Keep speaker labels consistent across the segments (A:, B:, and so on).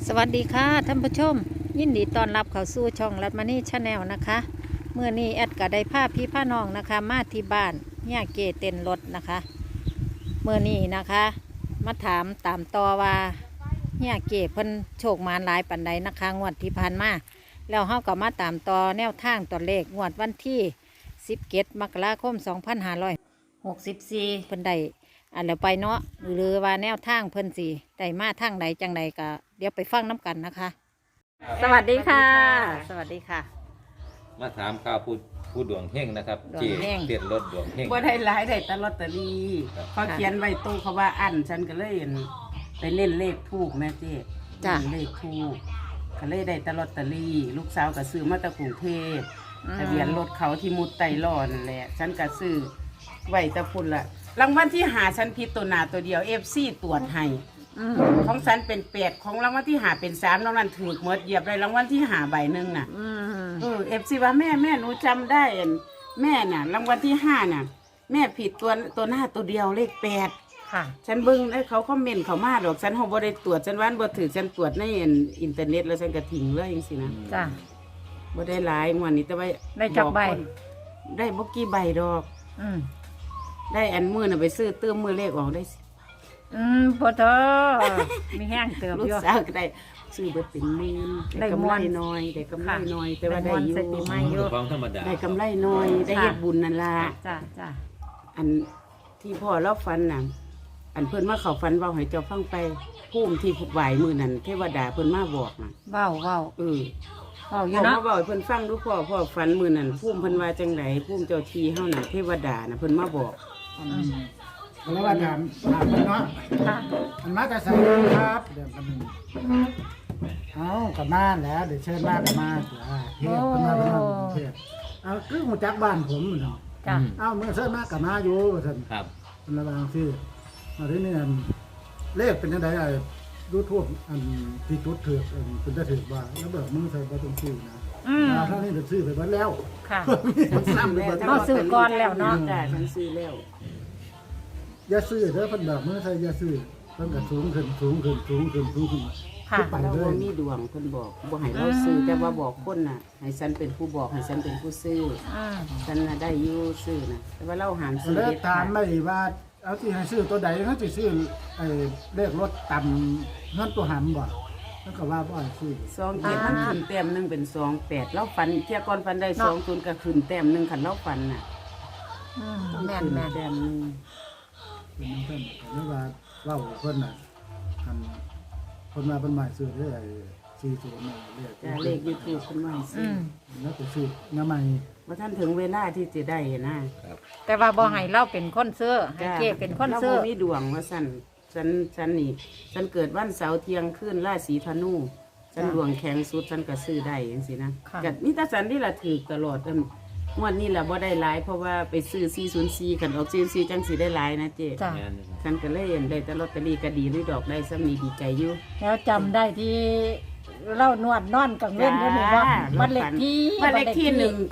A: สวัสดีค่ะท่านผู้ชมยินดีต้อนรับเข้าสู่ช่องรัตมานี่ชาแนลนะคะเมื่อนี้แอดก็ได้พาพี่พาน้องนะคะมาที่บ้านเนี่ยเกเต้นรถนะคะเมื่อนี้นะคะมาถามตามต่อว่าเนี่ยเกเพิ่นโชคมานหลายปันใดนะคะงวดที่ผ่านมาแล้วเฮาก็มาตามต่อแนวทางตัวเลขงวดวันที่17 มกราคม 2564เพิ่นได้อันแล้วไปเนาะหรือว่าแนวทางเพิ่นสิได้มาทางใดจังใดก็เดี๋ยวไปฟังน้ำกันนะคะ สวัสดีค่ะ สวัสดีค่ะ
B: มาถามข่าวผู้ดวงเฮงนะครับ
A: ดวงเฮง
B: เตียนรถดวงเฮง
C: บ่ได้หลายได้แต่ลอตเตอรี่
B: ครับ
C: เขาเขียนไว้ตู้เขาว่าอันฉันก็เลยไปเล่นเลขทูกแม่เจ๊
A: จ้ะ
C: เล่นเลขทูกก็เลยได้แต่ลอตเตอรี่ ลูกสาวก็ซื้อมาจากกรุงเทพทะเบียนรถเขาที่มุดไตรอนั่นแหละฉันก็ซื้อไว้แตะพุ่นละรางวัลที่หาฉันผิดตัวหนาตัวเดียว FC ตรวจให้
A: อืม
C: ของฉันเป็น8ของรางวัลที่หาเป็น3นอกนั้นถูกหมดเหยียบได้รางวัลที่หาใบหนึงน่ะ
A: อืม
C: FC ว่าแม่หนูจำได้อันแม่น่ะรางวัลที่5น่ะ แม่ผิดตัวหน้าตัวเดียวเลข8
A: ค่ะ
C: ฉันเบิ่งได้เขาคอมเมนต์เขามาดอกฉันเฮาบ่ได้ตรวจฉันว่าบ่ถือฉันตรวจในอินเทอร์เน็ตแล้วฉันก็ทิ้งเลยจังซี่นะ
A: จ้ะ
C: บ่ได้หลายงวดนี้แต่ว่า
A: ได้จักใบ
C: อกคนได้บ่กี่ใบดอก
A: อืม
C: ได้อันมื้อน่ะไปซื้อเติมมื้อเลขออกได้สิ
A: พอเธอมีแห้งเติม
C: ลูก
A: อยู่
C: สาวก็ได้ซื้อเบิดเป็นหมื่น
A: ได้
C: ได้กำ
A: ม่
C: ไร
A: วน
C: น้อยได้กำไร
A: ค่ะ
C: น้อยแต่ว่า
A: ได้
C: ได้
A: ม่วน
C: อยู่
A: ใส่ปีใหม่ อยู่
B: ของธรรมดา
C: ได้กำไรน้อยได้เฮ็ดบุญนั่นล่ะ
A: จ้ะจ้ะ
C: อันที่พ่อเราฟันน่ะ อันเพิ่นมาเขาฟันเว้าให้เจ้าฟังไปภูมิที่ไหวมือนั่นเทวดาเพิ่นมาบอกน่ะ
A: เว้าเว้า
C: เออ
A: เว้าอ
C: พ่
A: ยู่
C: อ
A: เนาะ
C: มาบอกให้เพิ่นฟังดูพ่อฟันมือนั่นภูมิเพิ่นว่าจังไดภูมิเจ้าที่เฮาน่ะเทวดาน่ะเพิ่นมาบอก
D: แล้วว่าถามมันเนาะ
A: ค่ะ
D: มันมาแต่ใส่ครับเดี๋ยวมันเอากลับมาแล้วเดี๋ยวเชิญมากับมาเทพขึ้นมาเป็นเทพเอาคือหูจักบ้านผมเนาะ
A: จ้ะ
D: เอาเมื่อเชิญมากับมาอยู่ท่าน
B: ครับ
D: มันระบางที่มาที่นี่เลขเป็นยังไงยูทูบอันที่จุดถือเป็นจะถือว่าแล้วแบบมึงใส่ประตูชื่อนะ
A: อืม
D: ถ้านี่เป็นชื่อไปบ้านแล้ว
A: ค่ะ
D: มันซ้ำไปบ้าน
A: เราซื้อก่อนแล้วเนาะ
C: จ้ะฉันซื้อแล้ว
D: อย่าซื้อเด้อเพิ่นแบบมึงใส่อย่าซื้อเพิ่นก็สูงขึ้นขึ้น
A: ค่ะ
D: ไป
C: เรา
D: เล
C: บ่
D: ย
C: มีดวงเพิ่นบอกบ่ให้เราซื้อแต่ว่าบอกคนน่ะให้ฉันเป็นผู้บอกให้ฉันเป็นผู้ซื้อ
A: อืม
C: ฉันน่ะได้อยู่ซื้อน่ะแต่ว่าเราหามซื้อ
D: แล้ว
C: เด็ด
D: ถา
C: ขาม ด
D: ไม่ว่าเอาที่ให้ซื้อตัวใดเขาจะซื้อไอ้เลขรถต่ำเงินตัวหำบ่แล้วก็ว่าบ่ให้ซื้อ
C: ซองเก็บมันขึ้นแต้มหนึงเป็น28เราฝันเที่ยก่อนฝันได้20ก็ขึ้นแต้มหนึงคันเราฝันน่ะ
A: อืม
C: ต้อง
A: แม่น
C: ขึ้น
A: แม่น
C: แต้มหนึง
D: เป็นเพิ่นก็เลยว่าเล่าเพิ่นน่ะคันคนมาเป็นใหม่ซื้อได้ไอ้40น่ะเลข
C: จ้ะเลข YouTube เพิ่นว่าให้
A: อื
C: ซื้อ
A: ม
D: แล้วก็ซื้อน้ำใหม่
C: ว่าท่านถึงเวลาที่จะได้นะ
A: แต่ว่าบ่ให้เราเป็นคนซื้อให้เกเป็นคนซื้อ
C: เราบ่มีดวงว่าสั่นฉันนี่ฉันเกิดวันเสาร์เที่ยงคืนราศีธนูฉันดวงแข็งสุดฉันก็ซื้อได้จังซี่นะ
A: ค่ะ
C: ก็นี่ตาฉันที่ละถือตลอดงวดนี้ล่ะบ่ได้หลายเพราะว่าไปซื้อ404คันออก404จังสิได้หลายนะเจ๊
A: จ้ะ
B: แม่น
C: ฉันก็เลยเห็นได้แต่ลอตเตอรี่ก็ดีด้วยดอกได้ซ้ำนี้ดีใจอยู่
A: แล้วจำได้ที่เล่านวดนอนกังเว้นก็นี่ว่าบ้านเลขที่
C: บ้านเลขที่
B: นั่น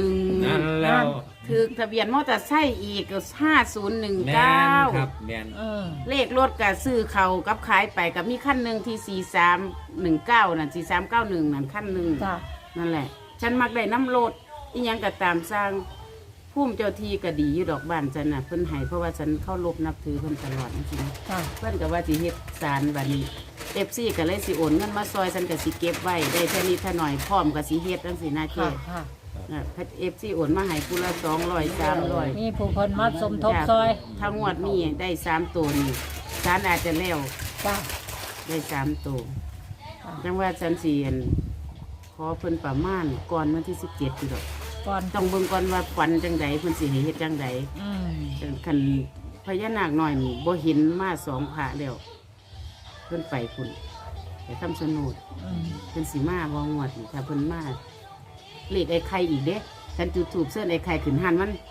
C: 191
B: แล้ว
C: ถือทะเบียนมอเตอร์ไซค์อีกก็
B: แม่นครั
C: 5019
B: บแม่น
A: เออ
C: เลขรถกับซื้อเขากับขายไปกับมีขั้นหนึ่งที่4319นั่น4391นั่นขั้นหนึ่ง
A: จ้ะ
C: นั่นแหละ ฉันมักได้น้ำรถอีหยังก็ตามสร้างพุ่มเจ้าที่ก็ดีอยู่ดอกบ้านฉันน่ะเพิ่นให้เพราะว่าฉันเข้ารบนับถือเพิ่นตลอดจริง
A: จ้ะ
C: ๆเพิ่นก็ว่าสิเฮ็ดศาลบัดนี้FCก็เลยสิโอนเงินมาซอยฉันก็สิเก็บไว้ได้แค่นี้ถ้าหน่อยพร้อมก็สิเฮ็ดจังซี่นะเจ๊
A: ค่ะค่ะ
C: FC โอนมาให้กูละ200 300
A: มีผู้คนมาสมทบซอย
C: ถ้างวดนี้ได้3ตัวนี่ศาลอาจจะแล้ว
A: จ้ะ
C: ได้3ตัว
A: ค่ะ
C: จังว่าฉันสิขอเพิ่นประมาณก่อนวันที่17อยู่ดอก
A: ก่อน
C: ต้องเบิ่งก่อนว่าฝันจังใดเพิ่นสิให้เฮ็ดจังใด
A: อืม
C: คันพญานาคน้อยนี่บ่เห็นมา2พระแล้วเพิ่นไปพุ่นไปคำชะโนด
A: อืม
C: เพิ่นสิมาบ่งวดนี่ถ้าเพิ่นมาเลขไอ้ไข่อีกเด้ฉันจุดธูปเสื้อไอ้ไข่ขึ้นหันมัน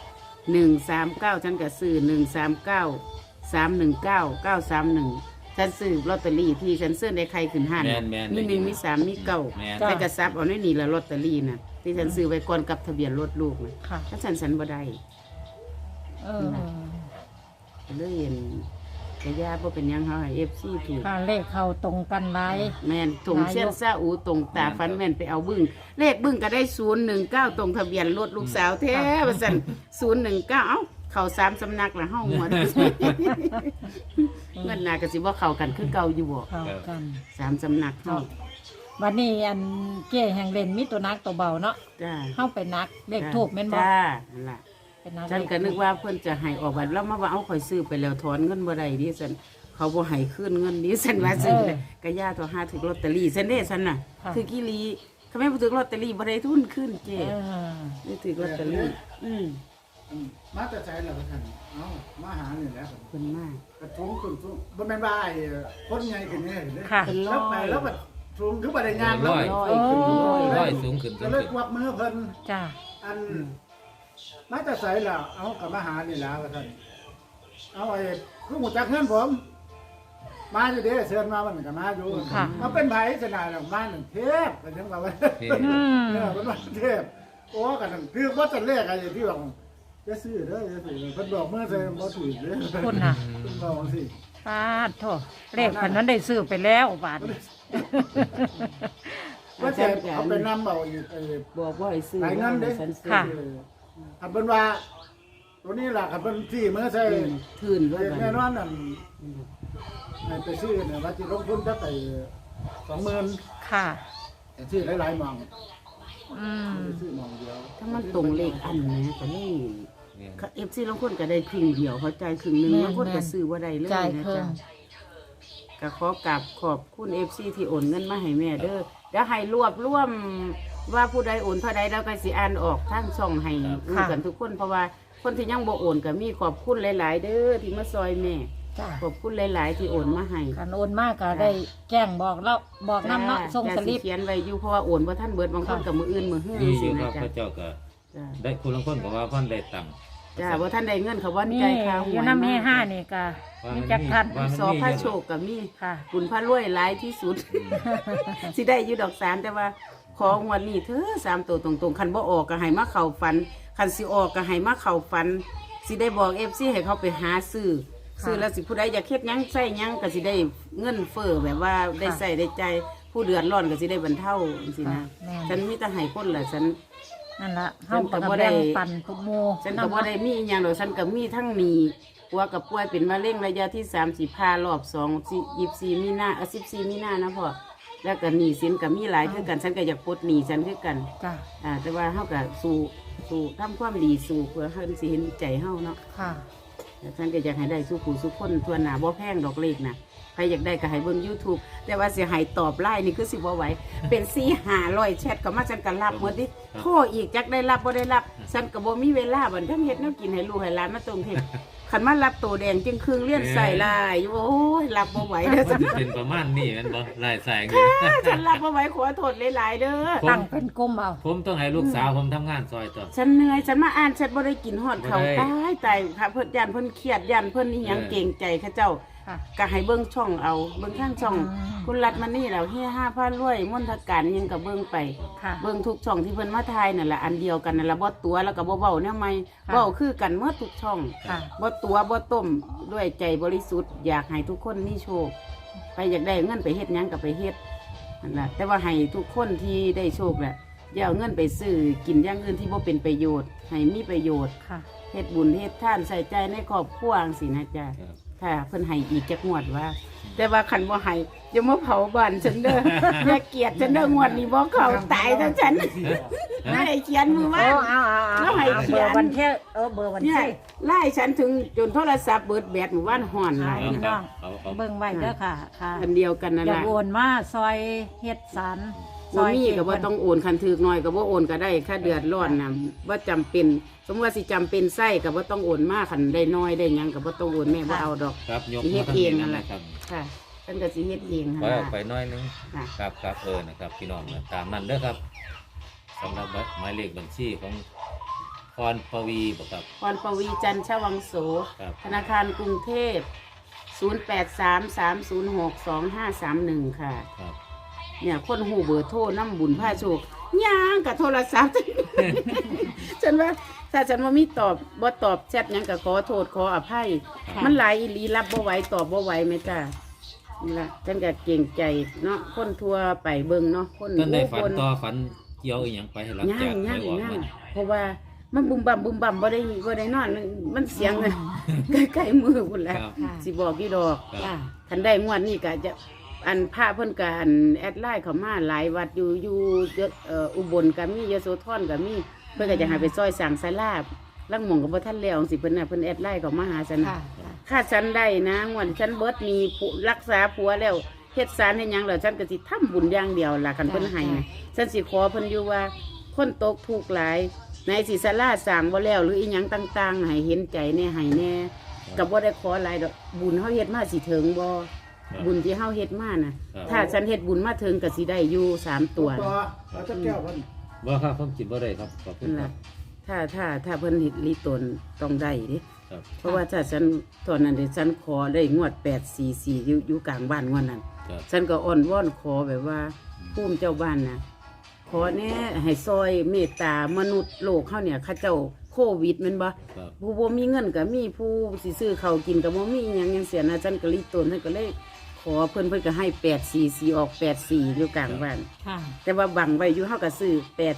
C: 139ฉันก็ซื้อ139 319 931ฉันซื้อลอตเตอรี่ที่ฉันเสื้อไอ้ไข่ขึ้นหัน
B: แม่น
C: มี1มี3มี9
B: แม่น
C: แต่กระซับเอาในนี่ละลอตเตอรี่น่ะที่ฉันซื้อไว้ก่อนกับทะเบียนรถลูกนะ
A: ค่ะ
C: ถ้าฉันบ่ได้
A: เออ
C: ก็เลยเห็นกะยาบ่เป็นหยังเฮาให้ FC ถูก
A: ค่ะเลขเข้าตรงกันไว้
C: แม่นถงเส้นซาอูตรงตาฟันแม่นไปเอาบึ้งเลขบึ้งก็ได้019ตรงทะเบียนรถลูกสาวแท้ว่าซั่น019เอ้าเข้า3สำนักละเฮาหมดเงินน่ะก็สิบ่เข้ากันคือเก่าอยู่บ่
A: เข้ากัน
C: 3สำนักเฮา
A: วันนี้อันเก้แห่งเล่นมีตัวนักตัวเบาเนาะ
C: จ้า
A: เข้าไปนักเลขทูบแม่นบ่
C: จ้านั่นล่ะ
A: เป็นนัก
C: ฉันก็นึกว่าเพิ่นจะให้ออกบัตรแล้วมาว่าเอาข่อยซื้อไปแล้วถอนเงินบ่ได้ดิฉันเขาบ่ให้คืนเงินดิฉันว่าซื้อเลยก็ย่าตัวหาถึกลอตเตอรี่ฉันเด้ฉันน่ะคือกิลีเขาไม่ถึกลอตเตอรี่บ่ได้ทุนคืนเจ้
A: เออ
C: นี่ถึกลอตเตอรี่
D: มาแต่ใจแล้วท่านเอ้ามาหานี่แหละ
C: เพิ่นมาก
D: กระทุงขึ้นสูงบ่แม่นว่าไอ้คนใหญ่ขึ้นนี่เห็นเด้
A: ค่ะ
C: เป็นร้
D: แล้
C: อ
D: วไป
C: ย
D: แล้วก็สูงคือบ่ได้งานแล้ว
B: ร้อย
C: ขึ้นร้อย
B: ร้อยสูงขึ้นสู
D: ก็
B: ง
D: เลย
B: ขึ้น
D: กวักมือเพิ่น
A: จ้า
D: อันมาแต่ใสแล้วเอากลับมาหานี่แล้วท่านเอาไอ้คือหมูจักเงินผม มาอยู่เด้เชิญมามันก็มาอยู่เอาเป็นไผสนายแล้วมาหนึ่งเทพกันจังว่า
B: เฮ้
D: เนี่ยเป็นว่าเทพโอ้กันคือว่าจะเลขอะไรที่บอกจะซื้อเด้อจะซื้อเพิ่นบอกเมื่อใส่บ่ถูกเด้อ
A: คุณน่ะ
D: เพิ่นบอกสิ
A: ปาดโทเลขพันนั้นได้ซื้อไปแล้วบาท
D: ว่าจะเอาไปนำเอาอีก
C: บอกว่าให้ซื้อ
D: หลายเงินเด้
C: ฉันซื้อ
A: ค่ะ
D: อันเป็นว่าตัวนี้ล่ะคันเป็นที่เมื่อใส่
C: ทื่นด้วย
D: แน่นอนนั่นให้ไปซื้อเนี่ยว่าสิลงทุนจะไป20,000
A: ค่ะ
D: ซื้อหลายๆหม่อง
A: อืม
D: ซื้อหม่องเดียว
C: ถ้ามันตรงเลขอันนะก็นี่
B: เนี่ย
C: FC ลางคนก็ได้ครึ่งเดียวเขาจ่ายครึ่งนึงบางคนก็ซื้อบ่ได้เลย
A: จ่าย
C: นะ
A: เพิ่
C: จ๊ะ
A: ม
C: ก็ขอกราบขอบคุณ FC ที่โอนเงินมาให้แม่เด้อเดี๋ยวให้รวบรวมว่าผู้ใดโอนเท่าใดแล้วก็สิอ่านออกทางช่องให้รู้กันทุกคนเพราะว่าคนที่ยังบ่โอนก็มีขอบคุณหลาย ๆ เด้อที่มาซอยแม่
A: จ้า
C: ขอบคุณหลาย ๆ ที่โอนมาให้
A: การโอนมากก็ได้แจ้งบอกแล้วบอกน้ำเนาะส่งสลิป
C: เขียนไว้อยู่เพราะว่าโอนบ่ทันเบิดบางคนกับมืออื่นมือหื้อ
B: มีอ
C: สิ
B: ยู่ค
C: นะ
B: รับ
C: จ๊ะ
B: พระเจ้าก็
C: จ้ะ
B: ได้คุณลังคนก็ว่าเพิ่นได้ตังค์
C: จ้าบ่ทันได้เงินเขาบ่
A: นี่
C: ใจายค่าห
A: อ
C: วย
A: ยู่น้ำมีห้านี่ก็มีจักทัน
B: ว่ามัน
C: สอ
B: มี
C: พระ
B: เย
C: โช
B: อะ
C: คก็มี
A: ค่ะ
C: บุญพระรวยหลายที่สุด สิได้อยู่ดอกสารแต่ว่าของวันนี้เธอ3ตัวตรงๆคันบ่ออกก็ให้มาเข้าฝันคันสิออกก็ให้มาเข้าฝันสิได้บอก FC ให้เขาไปหาซื้อซื้อแล้วสิผู้ใดอยากเฮ็ดหยังใช้หยังก็สิได้เงินเฟ้อแบบว่าได้ใช้ได้ใจายผู้เดือดร้อนก็สิได้บรรเทาจังซี่นะ
A: แม่น
C: ฉันมีแต่ให้คนล่ะฉัน
A: นั่นละ
C: ฉั
A: เฮาน
C: ก็
A: ก็
C: บ่ได้
A: แบ่งปันทุกโม
C: ฉันก็บ่ได้มีอหย่างดอกฉันก็มีทั้งหนี้ปัวกับป่วยเป็นมะเร็งระยะที่30พารอบ2 24มีนา14มีนานะพ่อแล้วก็หนี้สินก็มีหลายคือกันฉันก็อยากปลดหนี้ฉันคือกัน
A: จ้า
C: แต่ว่าเฮาก็สู้ทำความดีสู้เพื่อเพิ่นสิเห็นใจเฮาเนาะ
A: ค่ะ
C: แล้วฉันก็อยากให้ได้สู้ผู้สู้คนทั่วหน้าบ่แพงดอกเลขน่ะใครอยากได้ก็ให้เบิ่ง YouTube แต่ว่าสิให้ตอบไลน์นี่คือสิบ่ไหวเป็น4-500แชทก็มาฉันก็รับหมดดิโทรอีกจักได้รับบ่ได้รับฉันก็บ่มีเวลาบัดทั้งเฮ็ดแนวกินให้ลูกให้หลานมาตรงเฮ็ดคันมารับโตแดงจึงครึ่งเลี้ยนใส่ลายอยู่โอ้ยรับบ่ไหวเด้อ
B: มันจะเป็นประมาณนี้แม่นบ่ลายแสงอยู่
C: ฉันรับบ่ไหวขอโทษหลายๆเด้อ
A: ตั้งเป็นกลุ่มเอา
B: ผมต้องให้ลูกสาวผมทำงานซอยต่อ
C: ฉันเหนื่อยฉันมาอ่านฉันบ่ได้กินฮอดเขาว
B: บ่ได้
C: ตายค่ะเพิ่นยันเพิ่นเครียดยันเพิ่นนี่หยังเก่งใจเขาเจ้า
A: ค่ะ
C: ก็ให้เบิ่งช่องเอาเบิ่งข้างช่อง
A: อืม
C: คุณรัฐมานี่แล้วเฮีย5,000รวยมนทการยังก็เบิ่งไป
A: ค่ะ
C: เบิ่งทุกช่องที่เพิ่นมาทายนั่นแหละอันเดียวกันนั่นแหละบ่ตัวแล้วก็บ่เว้าแนวใหม่
A: ค่ะ
C: เว้าคือกันหมดทุกช่อง
A: ค่ะ
C: บ่ตัวบ่ต้มด้วยใจบริสุทธิ์อยากให้ทุกคนมีโชคใครอยากได้เงินไปเฮ็ดหยังก็ไปเฮ็ดนั่นล่ะแต่ว่าให้ทุกคนที่ได้โชคแหละอย่าเอาเงินไปซื้อกินอย่างอื่นที่บ่เป็นประโยชน์ให้มีประโยชน์
A: ค่ะ
C: เฮ็ดบุญเฮ็ดทานใส่ใจในครอบครัวจังซี่นะจ๊ะ
B: ครับ
C: ถ้าเพิ่นให้อีกจักงวดว่า แต่ว่าคันบ่ให้อย่ามาเผาบ้านฉันเด้อ อย่าเกลียดฉันเด้องวดนี้บ่เข้าตายทั้งฉันให้เขียนมือ
A: โอ้
C: ว่า
A: เอา
C: แล้วให้เขี
A: เบ
C: ย
A: อน ร์วันเที่ยเบอร์วัน
C: เนี่ย
A: ที่
C: ไล่ฉันถึงจนโทรศัพท์เบิดแบตหมู่บ้านห่อนหลาย
A: พี่น้อง
B: เอา
A: เบิ่งไว้เด้อค่ะ ค่ะ
C: อันเดียวกันนั่น
A: อย่า
C: ล่ะ
A: โอนมาซอยเฮ็ดสันซ
C: บ่
A: อย
C: มีก็บ่ต้องโอนคันถึกน้อยก็บ่โอนก็ได้ค่าเดือดร้อนน่ะบ่จำเป็น สมมุติว่าสิจำเป็นไส้ก็บ่ต้องโอนมาคันได้น้อยได้หยังก็บ่ต้องโอนแม่บ่เอาดอก
B: ครับยก
C: เฮ็
B: มา
C: ด
B: ทั้ง
C: เอ
B: นี้
C: งนั่
B: นั่
C: น
B: น
C: แห
B: แห
C: ละ
B: ละครับ
C: ค่ะฉันก็สิเฮ็ดเองหั่น
B: ไว้
C: ล่ะ
B: ออกไปหน้อยนึง
C: ค่ะ
B: ครับนะครับพี่น้องนะตามนั้นเด้อครับสำหรับหมายเลขบัญชีของพรปวีบ่ครับ
C: พรปวีจันทร์ชวังโส
B: ครับ
C: ธนาคารกรุงเทพ 0833062531 ค่ะ
B: ครับ
C: เนี่ยคนหูเบอร์โทรน้ำบุญผ้าโชคย่างกับโทรศัพท์ ฉันว่าถ้าฉันว่ามีตอบบ่ตอบแชทหยังก็ขอโทษขออภัย มันหลายอีหลีรับบ่ไหวตอบบ่ไหวแม่จ้านี่ล่ะฉันก็เก่งใจเนาะคนทั่วไปเบิ่งเนาะคน
B: ท่านได้ฝัน
C: คน
B: ต่อฝันเกี่ยวอีหยังไปให้หลัง
C: ย่า
B: จาก
C: ง
B: ไป
C: ย่าง
B: ออก
C: ย่าง
B: มัน
C: เพราะว่ามันบุมบั่มบ่ได้นอนมันเสียงใกล้ๆมือพุ่นแหล้ว
B: ครับ
C: สิบอกกี่ดอก
B: ครับ
C: คันได้งวดนี้ก็จะอันพระเพิ่นก็อันแอดไลน์เข้ามาหลายวัดอยู่อุบลก็มียโสธรก็มีเพิ่นก็จะให้ไปซอยสั่งศาลาลังหม่องก็บ่ทันแล้วจังซี่เพิ่นน่ะเพิ่นแอดไลน์เข้ามาหาฉัน
A: ค่ะ
C: ค่าฉันได้นะงวดฉันเบิดมีผู้รักษาผัวแล้วเฮ็ดสารเฮ็ดหยังแล้วฉันก็สิทำบุญอย่างเดียวล่ะคันเพิ่นให้นะฉันสิขอเพิ่นอยู่ว่าคนตกทุกข์หลายในสิศาลาสร้างบ่แล้วหรืออีหยังต่างๆให้เห็นใจแน่ให้แน่ก็บ่ได้ขอหลายดอกบุญเฮาเฮ็ดมาสิถึงบ่ บุญที่เฮาเฮ็ดมาน่ะ
B: ครับ
C: ถ้าฉันเฮ็ดบุญมาถึงก็สิได้อยู่3ตัว
D: ตัวเอาจะแก้วเพิ่น
B: บ่ครับผมคิดบ่ได้ครับขอบคุณ
C: นั่น
B: ครั
C: ล่ะ
B: บ
C: ถ้าเพิ่นเฮ็ดลีตนต้องได้เด้
B: ครับ
C: เพราะว่าถ้าฉันตอนนั้นเด้ฉันขอได้งวด844อยู่กลางบ้านงวดนั้น
B: ครับ
C: ฉันก็อ้อนวอนขอแบบว่าภูมิเจ้าบ้านน่ะขอแน่ให้ซอยเมตตามนุษย์โลกเฮาเนี่ยเขาเจ้าโควิดแม่นบ่
B: ครับ
C: ผู้บ่มีเงินก็มีผู้สิซื้อข้าวกินก็บ่มีอิหยังจังเสียนะฉันก็ลีตนฉันก็เลยขอเพิ่นก็ให้844ออก84อยู่กลางบ้าน
A: ค่ะ
C: แต่ว่าบังไว้อยู่เฮาก็ซื้อ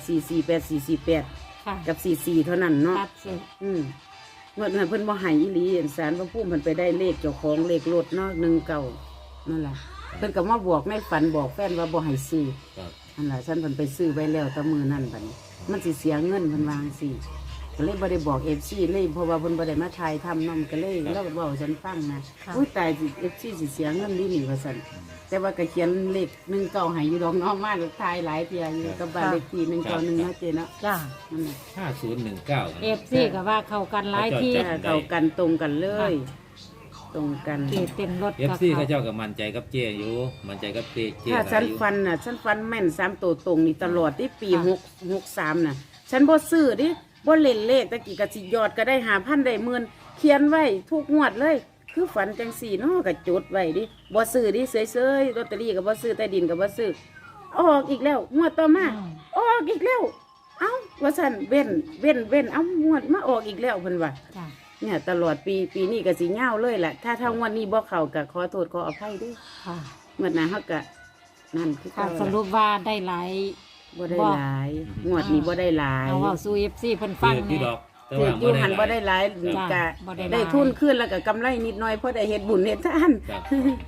C: 8448448
A: ค่ะ
C: กับ44เท่านั้นเนาะ
A: ตัดสิ
C: เมื่อนั้นเพิ่นบ่ให้อีหลีสารพระภูมิเพิ่นไปได้เลขเจ้าของเลขรถเนาะ19นั่นล่ะเพิ่นก็มาบอกในฝันบอกแฟนว่าบ่ให้ซื้อ
B: ครับ
C: นั่นล่ะฉันเพิ่นไปซื้อไว้แล้วแต่มื้อนั้นบัดนี้มันสิเสียเงินเพิ่นวาจั่งซี่ก็เลยบ่ได้บอก FC เลยเพราะว่าเพิ่นบ่ได้มาถ่ายทำนำก็เลยเล่าเว้าให้ฉันฟังนะอุ้ยตายสิ FC สิเสียเงินดีนี่ว่าซั่นแต่ว่าก็เขียนเลข19ให้อยู่ดอกเนาะมาถ่ายหลายเที่ยอยู่กับบ้านเลขที่191เนาะเจเนาะ
A: จ้า
C: นั่นน่ะ
B: 5019
A: เอฟซีก็ว่าเข้ากันหลายที่
B: จ้ะ
C: เข้ากันตรงกันเลย ตรงกัน
A: เกเต็นรถ
B: เอฟซีเขาเจ้าก็มั่นใจกับเจอยู่มั่นใจกับเจ
C: ถ้า
B: หล
C: ฉั
B: ย
C: น
B: อยู่
C: ฟันน่ะฉันฟันแม่น3ตัวตรงนี่ตลอดที่ปี663น่ะฉันบ่ซื้อดิบ่เล่นเลขตะกี้ก็สิยอดก็ได้5,000ได้10,000เขียนไว้ทุกงวดเลย คือฝันจังสี่เนาะก็จดไว้ดิบ่ซื้อดิเฉยๆลอตเตอรี่ก็บ่ซื้อใต้ดินก็บ่ซื้อออกอีกแล้วงวดต่อมาออกอีกแล้วเอ้าว่าซั่นเว้นเอ้างวดมาออกอีกแล้วเพิ่นว่า
A: จ้า
C: เนี่ยตลอดปีนี้ก็สิยาวเลยแหละถ้างวดนี้บ่เข้าก็ขอโทษขออภัยเด้วย
A: ค่ะ
C: งวดหน้าเฮาก็นั่นคือ
A: ค่ะ
C: เก่า
A: สรุปว่าได้หลาย
C: บ่ได้หลายงวดนี้บ่ได้หลาย
A: เอาว่าสู้เอฟซีเพิ่นฟัง
B: พี่
A: เนี่ย
B: ดอกแต่
C: ถือ
B: ว่า
C: อยู่หันบ่
B: บ่
C: ได้
B: ได้
C: หลาย
A: จ้ะ
C: ก็
A: บ่ได้หลาย
C: ได้ทุนขึ้นแล้วก็กำไรนิดหน่อยเพราะได้เฮ็ดบุญเฮ็ดทาน
B: ครับ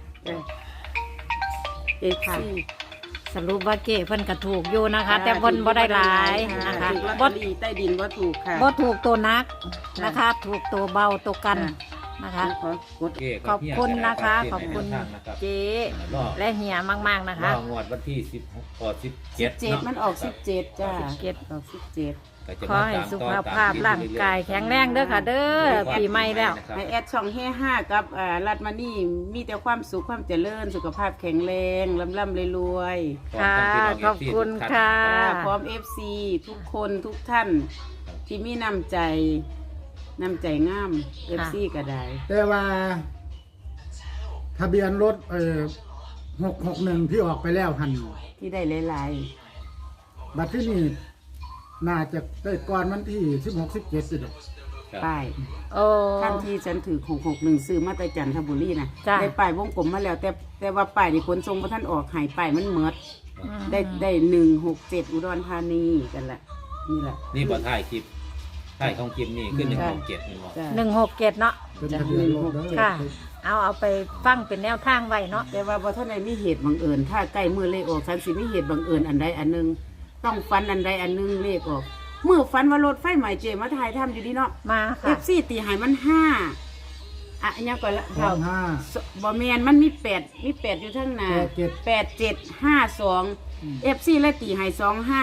C: เอฟ
A: ค่ะ
C: ซี
A: สรุปว่าเก๋เพิ่นก็ถูกอยู่นะคะ แต่เพิ่นบ่ได้หลายนะคะ
C: ถูกลอต
A: บ่
C: เตอรี่ใต้ดินบ่ถูกค่ะ
A: บ่ถูกตัวนักนะคะ ถูกตัวเบาตัวกันนะคะ
C: ขอกด
B: เจ
A: ขอบคุณนะคะ ขอบคุณ
B: นะครับ
A: เจ๊และเฮียมากๆนะคะ
B: รองวดวันที่16ก่อ17
C: 17มันออก17จ้า
A: 17
C: ออก17
B: ก็จะ
A: ขอ
B: มา
A: ให้
B: ตาม
A: สุ
B: ต่อ
A: ข
B: ตม
A: ภาพ
B: ที่
A: ร่างกายแข็งแรงเด้อค่ะ เด้อปีใหม่แล้ว
C: ให้แอดช่อง5กับรัดมานี่มีแต่ความสุขความเจริญสุขภาพแข็งแรงร่ำๆรวย
A: ค่ะ ขอบคุณค่ะ
C: ๆพร้อม FC ทุกคนทุกท่านที่มีน้ำใจงาม FC ก็ได้
D: แต่ว่า ทะเบียนรถ661ที่ออกไปแล้วหัน
C: ที่ได้หลาย
D: บัดที่นี่น่าจะได้ก่อนวันที่16 17สิดอก
B: ครับ
C: ๆป้าย
A: โอ้
C: ท่านที่ฉันถือ661ซื้อมาแต่จันทบุรีนะ
A: จ้ะ
C: ได้ป้ายวงกลมมาแล้ว แต่ว่าป้ายนี่ขนส่งพระท่านออกหายป้ายมันเมิด
A: อืม
C: ได้167อุดรธานีกันละนี่แหละ
B: นี่บ่ถ่ายคลิปถ่ายของคลิปนี่คือ167นี่บ่
C: จ้ะ
A: 167เนาะ
D: เป็นทะเบียนรถเด้อ
A: ค่ะ เอาไปฟังเป็นแนวทางไว้เนาะ
C: แต่ว่าพอท่านใดมีเหตุบังเอิญถ้าใกล้มือเลขออกฉันสิมีเหตุบังเอิญอันใดอันหนึงต้องฟันอันใดอันหนึงเลขออกเมื่อฟันว่ารถไฟใหม่เจมาถ่ายทำอยู่ดีเนาะ
A: มา
C: เอ
A: ค่ะ
C: ฟซีตีใหายมัน5อันยังก่อนละ
D: ห้องห้า
C: บ่แมนมันมี8อยู่ทั้งหน้า 8752เอฟซีและตีใหาย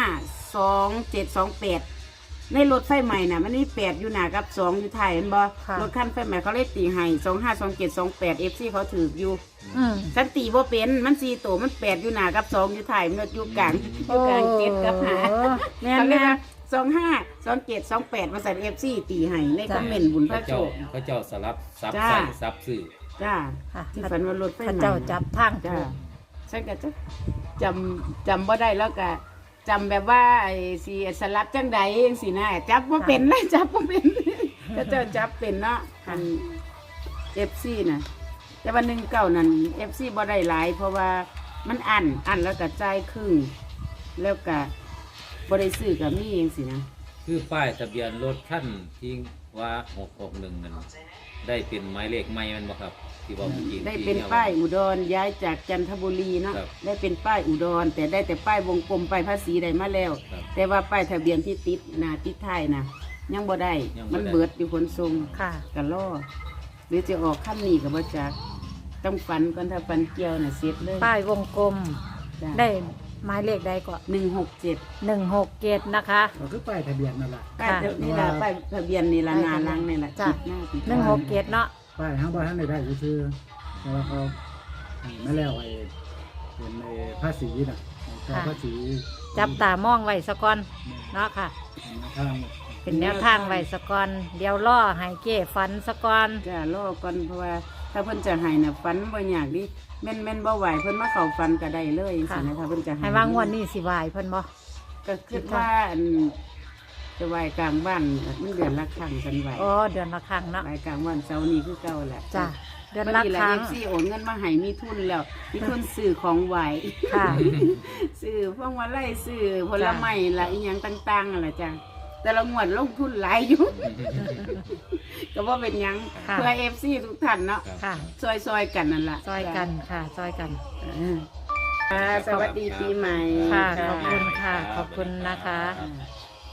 C: 252728ในรถไฟใหม่น่ะมันมี8อยู่หน้ากับ2อยู่ท้ายเห็นบ่
A: ค่ะ
C: รถคันไฟใหม่เขาเลยตีให้252728เอฟซีเขาถืออยู่
A: อืม
C: ฉันตีบ่เป็นมัน4ตัวมัน8อยู่หน้ากับ2อยู่ท้ายมันอยู่กลางอยู่กลาง7กับ5
A: โอ้แม่น
C: เขาเรียก
A: แม่
C: ว่า252728มาใส่เอฟซีตีให้ในคอมเมนต์บุญพ
B: พ
C: ระ
B: ระ
C: โช
B: เจ้า
C: ค
B: พระเจ้าสลับซับ
C: จ้า
B: ใส่ซับสื่อ
C: จ้า
A: ค่ะ
C: ที่ฝันว่ารถไฟ
A: ข้า
C: ไหม้
A: เจ้าจับทาง
C: จ้า
A: ถูก
C: ฉันก็จะจำบ่ได้แล้วก็จำแบบว่าไอ้สิสลับจังใดเองสินะจับบ่เป็นเลยจับบ่เป็น ก็เจ้าจับเป็นเนาะอัน FC น่ะแต่ว่า19นั่น FC บ่ได้หลายเพราะว่ามันอันแล้วก็จ่ายครึ่งแล้วก็บ่ได้ซื้อก็มีเองสินะ
B: คือป้ายทะเบียนรถท่านที่ว่า661นั่นได้เป็นหมายเลขใหม่แมันบ่ครับที่บอกเมื่อกี้
C: ได้เป็นป้ายอุดรย้ายจากจันทบุรีเนาะ
B: ครับ
C: ได้เป็นป้ายอุดร แต่ได้แต่ป้ายวงกลมป้ายภาษีได้มาแล้ว
B: ครับ
C: แต่ว่าป้ายทะเบียนที่ติดหน้าติดท้ายนะยังบ่ได้
B: ยังบ่ได้
C: มันเบิดอยู่ขนส่ง
A: ค่ะ
C: กันล่อหรือจะออกขั้นนี้กับบ่จักต้องฟันก่อนถ้าฟันเกี่ยวน่ะเสร็จเลย
A: ป้ายวงกลม
C: จ้ะ
A: ได้หมายเลขใดก็
C: 167
A: 167นะคะ
D: ก็คือป้ายทะเบียนนั่นแหละ
C: ป้ายนี่ล่ะป้ายทะเบียนนี่ล่ะหน้าหลังนี่ล่ะ
A: จ้ะ
C: ติดหน้าติดหลัง
A: 167เนาะ
D: ป้ายห้างบ้านท่านได้ชื่อเพราะว่าเขาไม่แล้วไอ้เป็นไอ้ภาษีน่ะก็ภาษี
A: จับตามองไว้สะก่อนเนาะค่ะ
D: ทาง
A: เป็นแนวทางไว้สะก่อนเดี๋ยวล่อให้เก้ฝันสะก่อน
C: จ้ะรอก่อนเพราะว่าถ้าเพิ่นจะให้น่ะฟันบ่ยากดิแม่นบ่ไหวเพิ่นมาเข้าฟันก็ได้เลยจังซี่นะถ้าเพิ่นจะให้
A: ให้ว่างวดนี้สิไหวเพิ่นบ่
C: ก็คิดว่าอันจะไหวกลางบ้านมันเดือนละครั้งฉันไหว
A: อ๋อเดือนละครั้งเนาะ
C: ไหวกลางวันเสาร์นี้คือเก่าแหละ
A: จ้ะเดือน
C: วัน
A: ละ
C: นี้
A: ค
C: ละ
A: รั้ง
C: FC โอนเงินมาให้มีทุนแล้วมีทุนซื้อของไหว
A: ค่ะ
C: ซื้อพวงมาลัยซื้อผลไม้ละอีหยังต่างๆนั่นล่ะจ้ะแต่ละงวดลงทุนหลายอยู่ ก็บ่เป็นหยัง
A: ค่ะ
C: เพื่อ FC ทุกท่านเนาะ
B: ครับ
A: ค่ะ
C: ซอยๆกันนั่นล่ะ
A: ซอยกันค่ะซอยกัน
C: สวัสดีปีใหม่
A: ค่ะขอบคุณค่ะขอบคุณนะคะ
B: ครับ